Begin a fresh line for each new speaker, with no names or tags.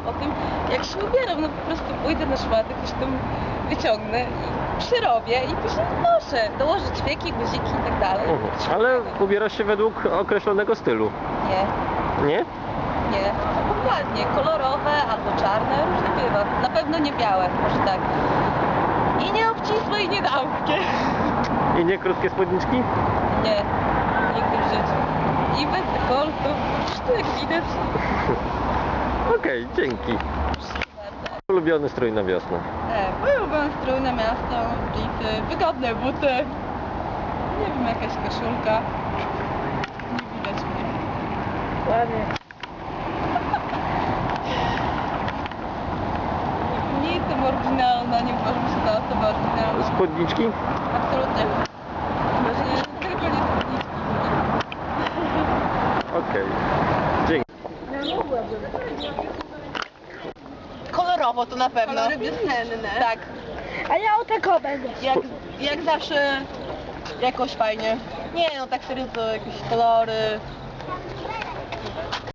o tym, jak się ubieram. No po prostu pójdę na szmaty, coś tam wyciągnę i przyrobię i później noszę. Dołożę ćwieki, guziki i tak dalej.
Ale ubierasz się według określonego stylu.
Nie,
Nie?
nie. Dokładnie. Kolorowe albo czarne, różnie bywa. Na pewno nie białe, może tak. I nie obcisłe i nie damskie.
I nie krótkie spódniczki?
Nie, nigdy w życiu. I bez dekoltu. Zresztą jak widać.
Okej, dzięki. Ulubiony strój na wiosnę.
Mój ulubiony strój na miasto, dżinsy, wygodne buty. Nie wiem, jakaś koszulka. Nie widać mnie. Ładnie. Nie jestem oryginalna, nie uważam się za osobę oryginalną.
Spódniczki?
Absolutnie. Właśnie tylko nie spódniczki.
Okej. Dzięki.
Kolorowo to na pewno. Kolory wiosenne. Tak.
A ja o tego będę.
Jak zawsze jakoś fajnie. Nie no, tak serio to jakieś kolory.